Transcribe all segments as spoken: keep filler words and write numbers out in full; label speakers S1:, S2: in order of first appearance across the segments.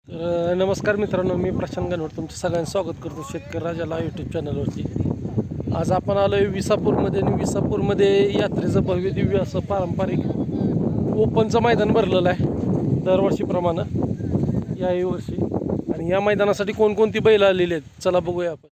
S1: तर नमस्कार मित्रांनो, मी प्रशांत गणवट तुमचं सगळ्यांचं स्वागत करतो शेतकरी राजाला यूट्यूब चॅनलवरती. आज आपण आलो आहे विसापूरमध्ये आणि विसापूरमध्ये यात्रेचं भव्य दिव्य असं पारंपरिक ओपनचं मैदान भरलेलं आहे दरवर्षीप्रमाणे याही वर्षी. आणि या मैदानासाठी कोणकोणती बैल आलेली आहेत चला बघूया आपण.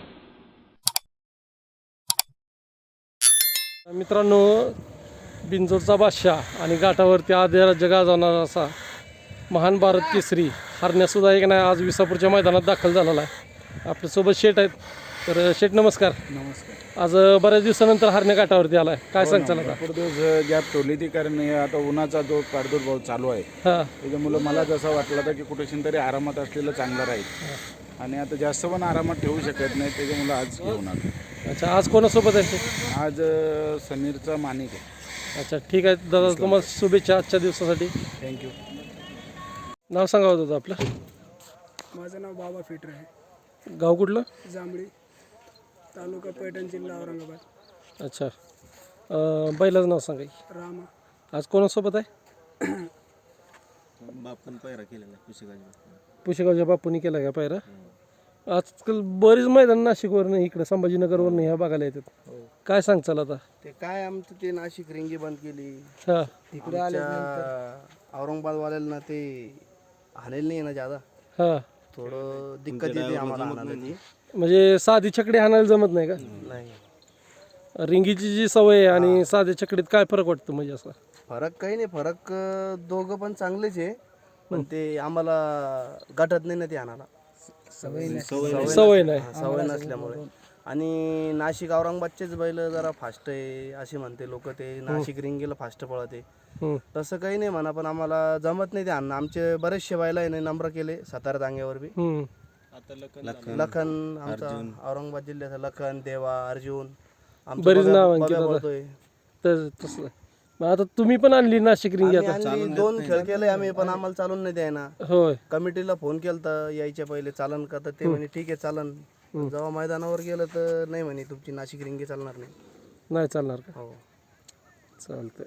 S1: मित्रांनो, बिंजोरचा बादशाह आणि घाटावरती आद्य राज्य गाजवणारा असा महान भारत केसरी हरण्यासुद्धा एक नाही आज विसापूरच्या मैदानात दाखल झालेला आहे. आपल्यासोबत शेठ आहेत. तर शेठ नमस्कार.
S2: नमस्कार.
S1: आज बऱ्याच दिवसानंतर हरण्या घाटावरती आला आहे, काय सांगचाल आता?
S2: भरपूर दिवस गॅप ठेवली ती, कारण हे आता उन्हाचा जो प्रादुर्भाव चालू आहे
S1: हां
S2: त्याच्यामुळं मला जसं वाटलं होतं की कुठेशी तरी आरामात असलेलं चांगलं राहील, आणि आता जास्त पण आरामात ठेवू शकत नाही, त्याच्यामुळं आज घेऊन आलो.
S1: अच्छा, आज कोणासोबत आहे?
S2: आज अ, समीरचा माणिक आहे.
S1: अच्छा ठीक आहे दादा, तुम्हाला शुभेच्छा आजच्या दिवसासाठी.
S2: थँक्यू.
S1: नाव सांगा होतं आपलं.
S3: माझं नाव बाबा फिटर आहे.
S1: गाव कुठलं?
S3: जांभळी, तालुका पैठण, जिल्हा औरंगाबाद.
S1: अच्छा, अं, बैलाचं नाव सांगा की.
S3: रामा.
S1: आज कोणासोबत आहे?
S4: बापन पैरा केलेला पुशेगाजी.
S1: पुशेगावच्या बापूंनी केला का पायरा? आजकाल बरीच मैदान नाशिकवरनं इकडे संभाजीनगरवरनं ह्या बघायला येतात, काय सांगचाल आता?
S4: ते काय आमचं ते नाशिक रिंगी बंद केली,
S1: हां
S4: तिकडे आले औरंगाबादवाल्याला ते हाणेल नाही ना ज्यादा,
S1: हां,
S4: थोडं दिक्कत येते आम्हाला हाणायला ती.
S1: म्हणजे साधी छकडी हाणायला जमत नाही का?
S4: नाही,
S1: रिंगीची जी सवय आहे आणि साध्या छकडीत काय फरक वाटतो म्हणजे असा?
S4: फरक काही नाही, फरक अं, दोघं पण चांगलेच आहे, पण ते आम्हाला गटत नाही ना ते हाणायला,
S1: सवय नाही.
S4: सवय नसल्यामुळे. आणि नाशिक औरंगाबादचेच बैल जरा फास्ट आहे असे म्हणते लोक, ते नाशिक रिंगीला फास्ट पळते.
S1: हम्म.
S4: तसं काही नाही म्हणा, पण आम्हाला जमत नाही ते अन्न. आमचे बरेचसे बैल आहे नंबर केले सातारा दांग्यावर बी.
S1: हम्म.
S4: लखन आमचा औरंगाबाद जिल्ह्याचा लखन, देवा, अर्जुन, आमचा
S1: बरीच
S4: बब्या-
S1: नाव
S4: बब्या
S1: अंकित
S4: पळतोय.
S1: तर तसं मग आता तुम्ही पण आणली नाशिक रिंगी
S4: आम्ही
S1: आता?
S4: आणली, दोन खेळ केले आम्ही, पण आम्हाला चालून नाही द्यायना.
S1: होय.
S4: कमिटीला फोन केला तर यायच्या पहिले चालन का, तर ते म्हणे ठीक आहे चालन. जेव्हा मैदानावर गेलं तर नाही म्हणे तुमची नाशिक रिंगी चालणार नाही.
S1: नाही चालणार का?
S4: हो,
S1: चालतंय.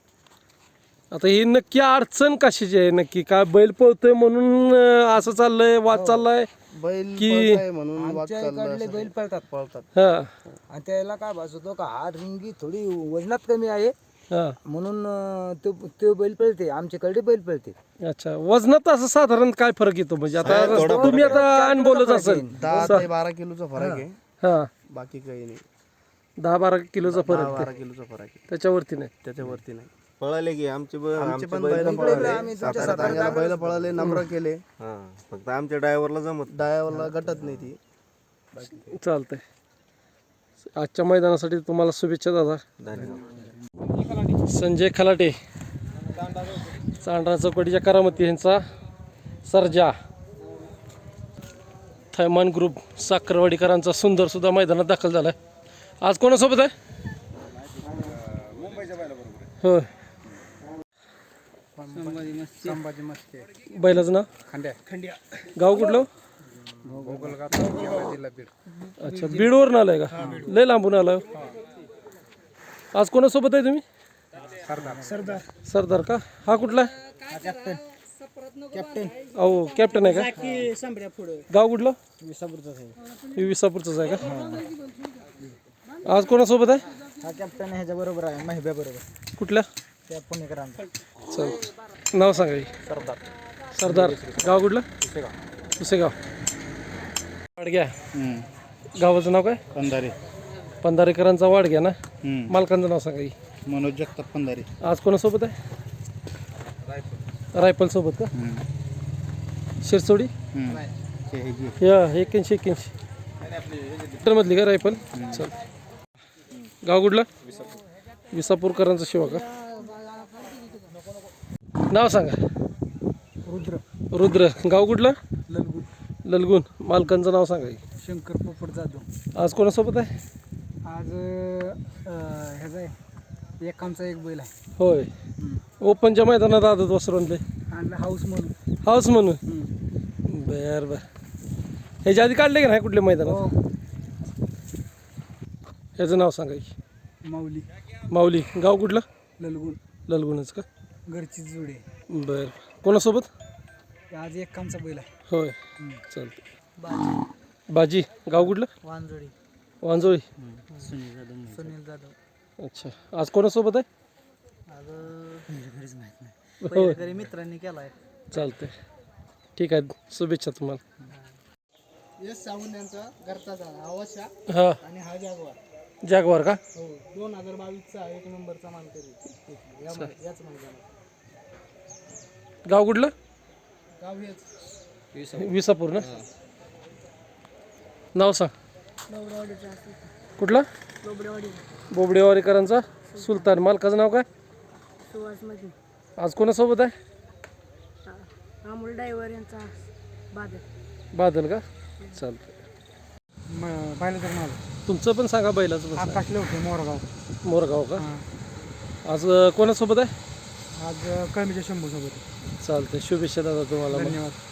S1: आता ही नक्की अडचण कशाची आहे नक्की? काय बैल पळतोय म्हणून अं, असं चाललंय, वाद चाललाय?
S4: बैल
S1: की-
S4: पळताय म्हणून वाद चालला
S5: इकडले
S4: असं.
S5: बैल पळतात
S4: पळतात.
S1: हा
S5: आणि त्याला काय भास होतो का हा रिंगी थोडी वजनात कमी आहे
S1: हा.
S5: म्हणून अं, तो तो बैल पळते, आमच्याकडे बैल पळते.
S1: अच्छा, वजनात असं साधारण काय फरक येतो म्हणजे? आता तुम्ही आता अनुभवलंच असेल.
S4: दहा ते बारा किलोचा फरक आहे,
S1: हा,
S4: बाकी काही नाही.
S1: दहा बारा किलोचा
S4: दहा
S1: फरक
S4: बारा किलोचा फरक आहे,
S1: त्याच्यावरती नाही.
S4: त्याच्यावरती नाही.
S6: पळाले की आमचे ब-
S4: आमचे
S6: आमचे
S4: पण
S6: बैल
S4: बैल
S6: पण
S4: पळाले,
S5: आम्ही तुमच्या
S4: सातारा तांग्याला बैल पळाले, नम्र केले.
S6: हा, फक्त आमच्या ड्रायव्हरला जमत
S4: डायावरला गटत नाही ती.
S1: चालतंय. आजच्या मैदानासाठी तुम्हाला शुभेच्छा दादा.
S6: धन्यवाद.
S1: संजय खलाटे, चांडरा चौकटीच्या करामती यांचा सर्जा, थैमान ग्रुप साखरवाडीकरांचा सुंदर सुद्धा मैदानात दाखल झाला आहे. आज कोणासोबत आहे? होय.
S3: संभाजी मस्के.
S1: बैलाचं नाव?
S3: खंड्या. खंड्या.
S1: गाव कुठलं?
S3: गोगलगाव तालुका, जिल्हा बीड.
S1: अच्छा, बीडवरून आलाय का? लय लांबून आलाय. आज कोणासोबत आहे तुम्ही?
S3: सरदार. सरदार.
S1: सरदार का? हा कुठला आहे?
S3: कॅप्टन. कॅप्टन.
S1: अहो कॅप्टन आहे का?
S3: संभ्या पुढे.
S1: गाव कुठलं?
S3: विसापूरचाच आहे.
S1: हे विसापूरचंच आहे का? आज कोणासोबत आहे?
S3: हा कॅप्टन ह्याच्या बरोबर आहे, महिब्या बरोबर.
S1: कुठल्या?
S3: त्या पुणेकरांचा.
S1: चल, नाव सांगा की.
S3: सरदार.
S1: सरदार. गाव कुठलं? पुसेगाव. वाडग्या. गावाचं नाव काय?
S2: पंधारे.
S1: पंधारेकरांचा वाडग्या ना? मालकांचं नाव सांगा की.
S2: मनोज जगताप पंधारे.
S1: आज कोणासोबत आहे? रायफल सोबत का? शिरसोडी या एक्क्याऐंशी एक्क्याऐंशी मधली का रायफल? चल. गाव कुठलं? विसापूरकरांचा शिवा का? नाव सांगा.
S3: रुद्र.
S1: रुद्र. गाव कुठलं?
S3: ललगुण.
S1: ललगुण. मालकांचं नाव सांगा की.
S3: शंकर पोपट जाधव.
S1: आज कोणासोबत आहे?
S3: आज अं, ह्याचा आहे, एक आमचा एक बैल आहे.
S1: होय. ओपनच्या मैदानात आदत वसरवले
S3: आणि हाऊस म्हणून.
S1: हाऊस म्हणून. बर बर. ह्याच्या आधी काढले का नाही कुठल्या मैदानात?
S3: हो.
S1: ह्याचं नाव सांगा की.
S3: माऊली.
S1: माऊली. गाव कुठलं?
S3: ललगुण.
S1: ललगुणच का?
S3: घरची जोडी.
S1: बरं. कोणासोबत?
S3: आज एक कामचा बैल आहे
S1: होय चालतं. बाजी गाव कुठलं?
S3: वांजोडी
S1: वांजोळी.
S3: सुनील जाधव.
S1: अच्छा, आज कोणासोबत आहे?
S3: आज घरीच माहित नाही
S1: होय
S3: पहिल्या घरी मित्रांनी केलाय.
S1: चालतंय, ठीक आहे, शुभेच्छा तुम्हाला.
S3: यश सावंत यांचा घरचा झाला आवाशा
S1: हां,
S3: आणि हा जागवार.
S1: जॅगवार का?
S3: हो दोन हजार बावीसचा एक नंबरचा मानकरी या मै- याच मैदानात.
S1: गाव कुठलं?
S3: गाव हेच
S1: विसापूर ना? नाव सांग. कुठला? बोबडेवाडीकरांचा सुलतान. मालकाचं नाव काय?
S7: सुहास मध्ये
S1: आज कोणासोबत आहे?
S7: अमोल ड्रायव्हर यांचा बादल.
S1: बादल का? चालतं.
S3: पाहिलं तर माझं
S1: तुमचं पण सांगा, बैलाचं पण सांगा.
S3: आकाश होते मोरगाव.
S1: मोरगाव का? आज अं, कोणासोबत आहे?
S3: आज कळमीच्या शंभू सोबत.
S1: चालतंय, शुभेच्छा दादा तुम्हाला.
S3: धन्यवाद.